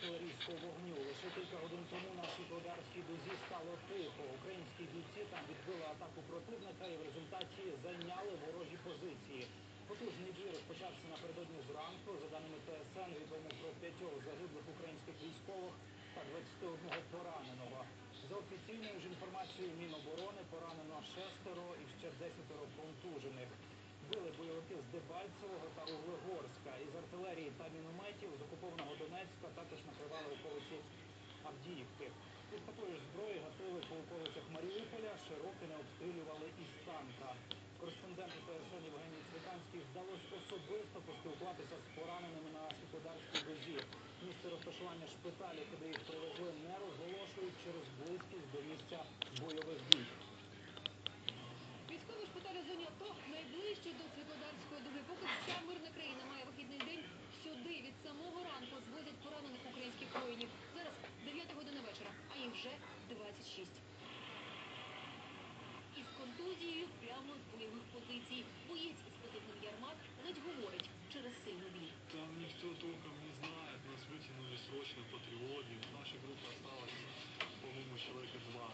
артилерійського вогню. Лише кілька годин тому на Світлодарській дузі стало тихо. Українські бійці там відбили атаку противника і в результаті зайняли ворожі позиції. Потужний бій розпочався напередодні зранку. За даними ТСН, відомо про 5 загиблих українських військових та 21 пораненого. За офіційною ж інформацією Міноборони, поранено 6 і ще 10 контужених. Били бойовики з Дебальцевого та Углегорська. Із артилерії та мінометів з окупованого Донецька також накривали околиці Авдіївки. Із такої ж зброї гатили по околицях Маріуполя, Широкине обстрілювали із танка. Кореспонденту ТСН Євгенії Цвітанській вдалося особисто поспілкуватися з пораненими на Світлодарській дузі. Місце розташування шпиталю, куди їх привезли, не розголошують через близькість до місця бойових дій. Військовий шпиталь у зоні АТО найближче до Світлодарської дуги. Поки вся мирна країна має вихідний день, сюди від самого ранку звозять поранених українських воїнів. Зараз 9 година вечора, а їх вже 26. Із контузією прямо з бойових позицій. Боєць із позивним Ярмак ледь говорить через сильну біль. Там никто толком не знает, нас вытянули срочно по тревоге. В нашей группе осталось, по-моему, человека 2.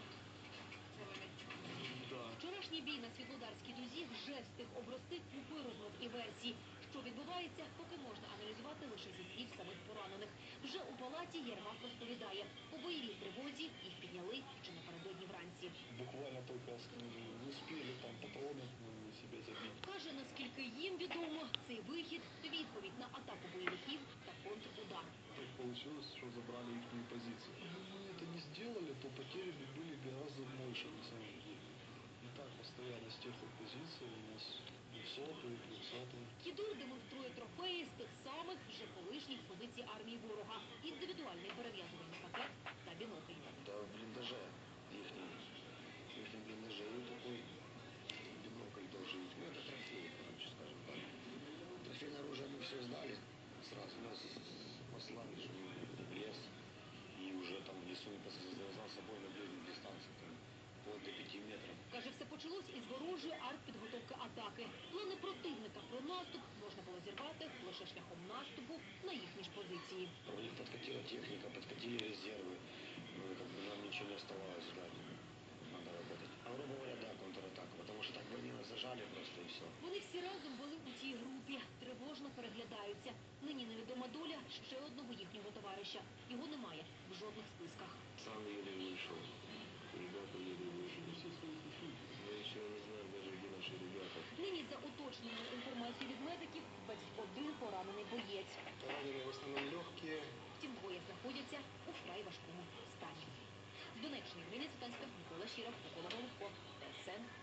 Да. Вчорашній бій на Світлодарській дузі вже встиг обрости купою розмов і версій. Що відбувається, поки можна аналізувати лише зі слів самих поранених. Вже у палаті Єрмак розповідає, по бойовій тривозі їх підняли ще напередодні вранці. Буквально только успели там патроны себе забить. Каже, наскільки їм відомо, цей вихід – відповідь на атаку бойовиків та контрудар. Так получилось, что забрали их позиции. Если бы мы это не сделали, то потери бы были гораздо больше на самом деле. И так постоянно с тех позиций у нас 200-й, 300-й. Кідур демонструє трофеї з тих самих вже колишніх позицій армії ворога. Індивідуальний перев'язувальний пакет та бінокль. Да, в блиндаже. Их блиндаже такой бинокль тоже. Ну, это трофей, короче, скажем так. Трофейное оружие мы все сдали. Сразу нас послали, что в лес. И уже там в лесу непосредственно за собой на ближнюю дистанцию. Там, вплоть до 5 метров. Каже, все почалось із ворожої артпідготовки атаки. Плани противника про наступ можна було зірвати лише шляхом наступу на їхні ж позиції. У них подкатила техника, подкатили резервы. Ну, как бы нам ничего не оставалось ждать. Надо работать. А грубо говоря, да, контратака. Потому что так бы они нас зажали просто и все. Вони всі разом були у тій групі. Тривожно переглядаються. Нині невідома доля ще одного їхнього товариша. Його немає в жодних списках. Сам еле вышел. Ребята еле вышли. Все своих ушли. Мы еще не знаем даже, где наши ребята. Нині за уточненою інформацією від медиків 21 поранений боєць. Раненые в основном легкие. Втім, двоє знаходяться у вкрай важкому стані. З Донеччини Євгенія Цвітанська, Микола Щиров, Микола Головко, ТСН